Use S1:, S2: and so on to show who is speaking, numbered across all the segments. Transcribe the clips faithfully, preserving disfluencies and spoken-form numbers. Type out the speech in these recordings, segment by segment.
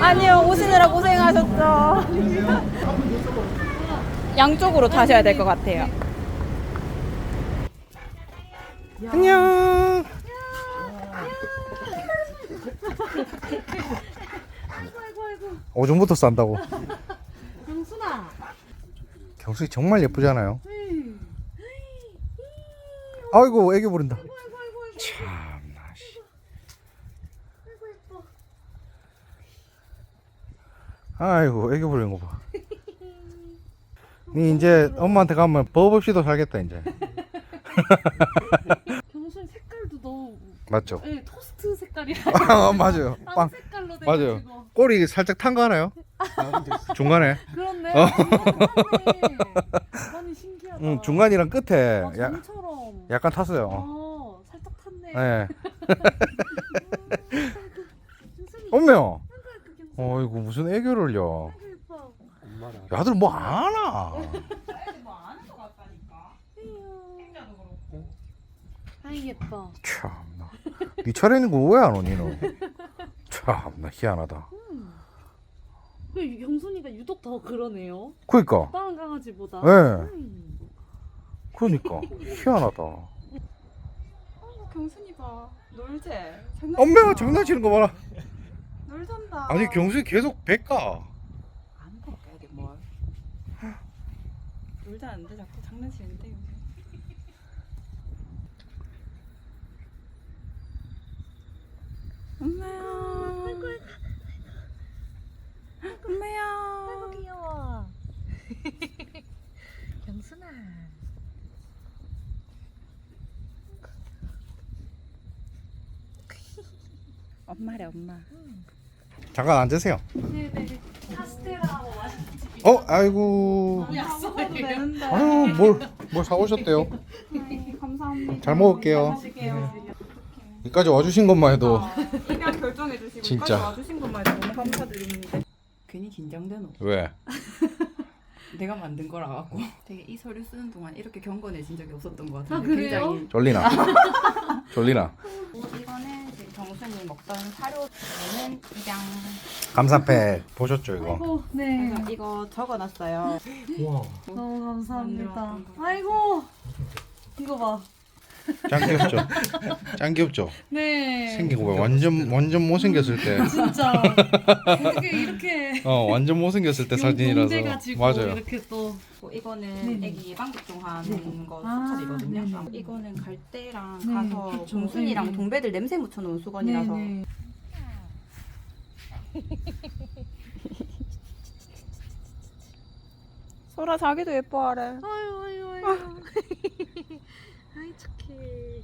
S1: 아니요, 오시느라 고생하셨죠. 양쪽으로 타셔야 될 것 같아요.
S2: 안녕. 오줌부터 싼다고.
S3: 경순아.
S2: 경숙이 정말 예쁘잖아요. 아이고 애교 부린다. 참나. 아이고 애교 부리는 거 봐. 니 이제 엄마한테 가면 법 없이도 살겠다 이제.
S3: 경순 색깔도 너무
S2: 맞죠?
S3: 네, 토스트 색깔이라.
S2: 아, 맞아요.
S3: 빵
S2: 빵.
S3: 색깔로 돼
S2: 맞아요.
S3: 가지고.
S2: 꼬리 살짝 탄 거 하나요? 중간에.
S3: 그렇네.
S2: 어.
S3: 많이 신기하다.
S2: 응, 중간이랑 끝에
S3: 아,
S2: 야,
S3: 점처럼.
S2: 약간 탔어요.
S3: 어, 살짝 탔네.
S2: 네.
S3: 경순이.
S2: 엄매요.
S3: 경순이.
S2: 어이구 무슨 애교를요.
S3: 아이고 예뻐.
S2: 야들 뭐 아나.
S3: 아이 예뻐.
S2: 참나. 니 차례는 거 왜 안 오니 너? 참나 희한하다.
S3: 음. 그 경순이가 유독 더 그러네요.
S2: 그니까.
S3: 다른 강아지보다.
S2: 네.
S3: 음.
S2: 그러니까 희한하다.
S1: 경순이 봐. 놀재.
S2: 엄매가 장난치는 거 봐라.
S1: 놀잔다.
S2: 아니 경수이 계속 백가.
S1: 안 될까 이게 뭘. 놀자는데 자꾸 장난치는데. 엄마야. 엄마야.
S3: 아이고 귀여워. 경순아.
S1: 엄마래 엄마.
S2: 잠깐 앉으세요.
S3: 네네. 카스테라 뭐 맛있지.
S2: 어 아이고.
S1: 약속해도 되는데.
S2: 아유 뭘뭘 사오셨대요.
S1: 아이, 감사합니다.
S2: 잘 먹을게요.
S1: 마실게요.
S2: 여기까지 와주신 것만 해도
S1: 그냥 결정해 주시고
S2: 진짜.
S1: 여기까지 와주신 것만 해도 너무 감사드리는데. 괜히 긴장되노.
S2: 왜?
S1: 내가 만든 거라 갖고 되게 이 서류 쓰는 동안 이렇게 경건해진 적이 없었던 것 같은데.
S3: 아, 그래요?
S1: 굉장히.
S2: 졸리나? 졸리나?
S1: 이거는 지금 정순이 먹던 사료는 그냥
S2: 감사패 보셨죠 이거?
S3: 아이고 네.
S1: 그래서 이거 적어놨어요.
S2: 우와.
S3: 너무 감사합니다.
S1: 만들었던 거.
S3: 아이고 이거 봐.
S2: 짱 귀엽죠? 짱 귀엽죠?
S3: 네.
S2: 생긴 거 봐. 완전 완전 못생겼을 때.
S3: 진짜 어떻게 이렇게
S2: 어 완전 못생겼을 때
S3: 용돈제
S2: 사진이라서.
S3: 가지고
S2: 맞아요.
S3: 이렇게 또
S1: 이거는
S3: 네네.
S1: 애기 예방접종 하는
S3: 네.
S1: 거
S3: 아,
S1: 수첩이거든요.
S3: 네네.
S1: 이거는 갈 때랑
S3: 네,
S1: 가서
S3: 그쵸.
S1: 정순이랑
S3: 네네.
S1: 동배들 냄새 묻혀놓은 수건이라서.
S3: 네네.
S1: 소라 자기도 예뻐하래.
S3: 아유 아유 아유. 아이 착해.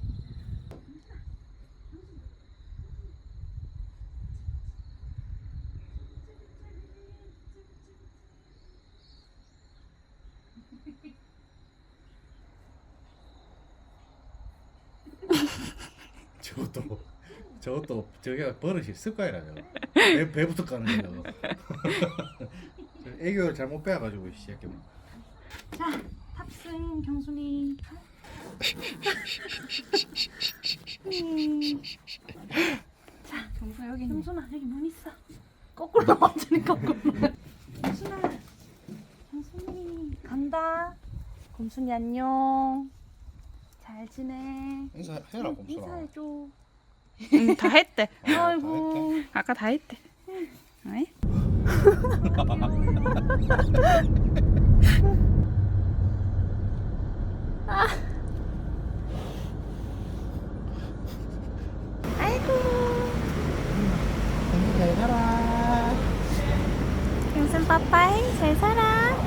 S2: 저것도 저것도 저게 버릇이 습관이라며. 배 배부터 까는 거죠. 애교를 잘못 빼가지고 시작해.
S3: 자 탑승 경순이. 음. 자
S1: 정순 여기 있네.
S3: 경순아 여기 문 있어. 거꾸로 완전히 거꾸로. 경순아 경순이 간다. 곰순이 안녕. 잘 지내.
S2: 인사해라 곰순아.
S3: 인사해줘.
S1: 응, 다 했대.
S3: 아이고.
S1: 아까 다 했대. 어이?
S2: 잘 살아.
S1: 경순 빠빠이 잘 살아.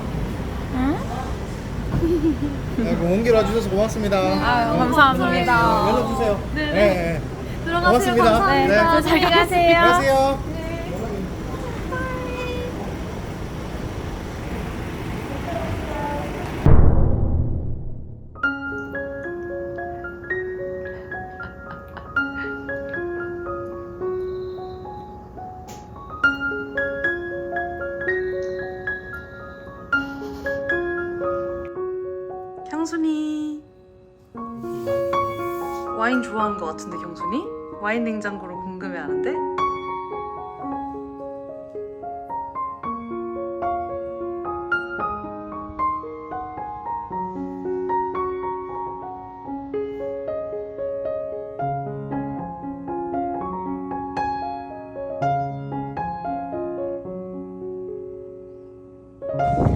S2: 아이고 온길 와주셔서 고맙습니다.
S1: 아유, 감사합니다.
S2: 연락 주세요.
S3: 네.
S2: 네.
S3: 들어가세요.
S2: 고맙습니다.
S3: 감사합니다.
S2: 네.
S1: 잘 가세요.
S2: 안녕하세요.
S3: 경순이 와인 좋아하는 것 같은데 경순이? 와인 냉장고로 궁금해하는데?
S2: 어.